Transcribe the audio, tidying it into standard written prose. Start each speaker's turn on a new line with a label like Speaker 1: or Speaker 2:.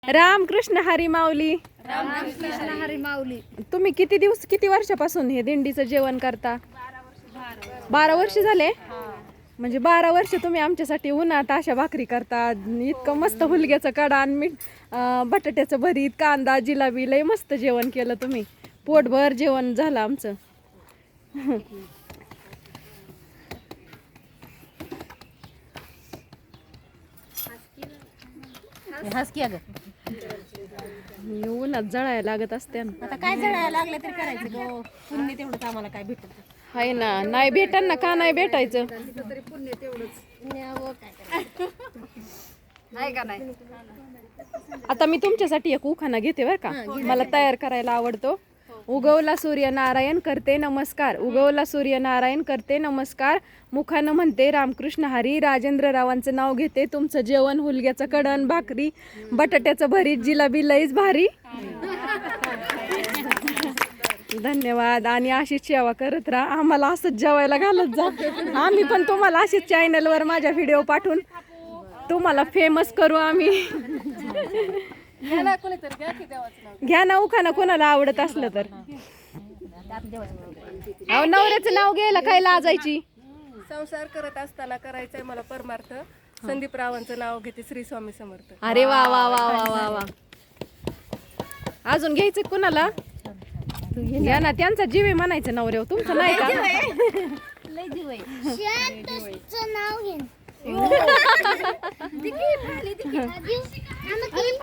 Speaker 1: रामकृष्ण हरी माऊली.
Speaker 2: रामकृष्ण हरी माऊली.
Speaker 1: तुम्ही किती वर्षापासून हे दिंडीचं जेवण करता? 12 वर्ष झाले. म्हणजे 12 वर्ष तुम्ही आमच्यासाठी उन्हात अशा भाकरी करता. इतकं मस्त हुलग्याचं कडा आणि मीठ, बटाट्याचं भरीत, कांदा, जिलाबी, लय मस्त जेवण केलं तुम्ही. पोटभर जेवण झालं आमचं. उन्हात जळायला लागत असते ना.
Speaker 2: आता काय जळायला लागलं तरी करायचं गो. पुण्य तेवढंच आम्हाला काय भेटत
Speaker 1: हाय ना. नाही भेटन ना, का नाही भेटायचं?
Speaker 2: तरी पुण्य तेवढंच काय का नाही.
Speaker 1: आता मी तुमच्यासाठी एक उखाणा घेते बरं का. मला तयार करायला आवडतो. उगवला सूर्य नारायण करते नमस्कार, उगवला सूर्य नारायण करते नमस्कार, मुखानं म्हणते रामकृष्ण हरी, राजेंद्ररावांचं नाव घेते, तुमचं जेवण हुलग्याचं कडण, भाकरी, बटाट्याचं भरीत, जिलाबी लईच भारी. धन्यवाद. आणि अशीच सेवा करत राहा, आम्हाला असंच जेवायला घालत जा. आम्ही पण तुम्हाला अशीच चॅनलवर माझ्या व्हिडिओ पाठवून तुम्हाला फेमस करू आम्ही. घ्या ना उखाणा कोणाला आवडत असलं तर. अहो, नवऱ्याचं नाव घ्यायला काय लाजायची?
Speaker 3: संसार करत असताना करायचंय मला परमार्थ, संदीप रावांचं नाव घेते, श्री स्वामी समर्थ.
Speaker 1: अरे वा वा वा वा वा वा. अजून घ्यायचं कोणाला? घ्या ना. त्यांचा जीव आहे म्हणायचं नवऱ्यावर, तुमचं नाही का?
Speaker 2: लय जीव आहे.
Speaker 4: नाव घेईन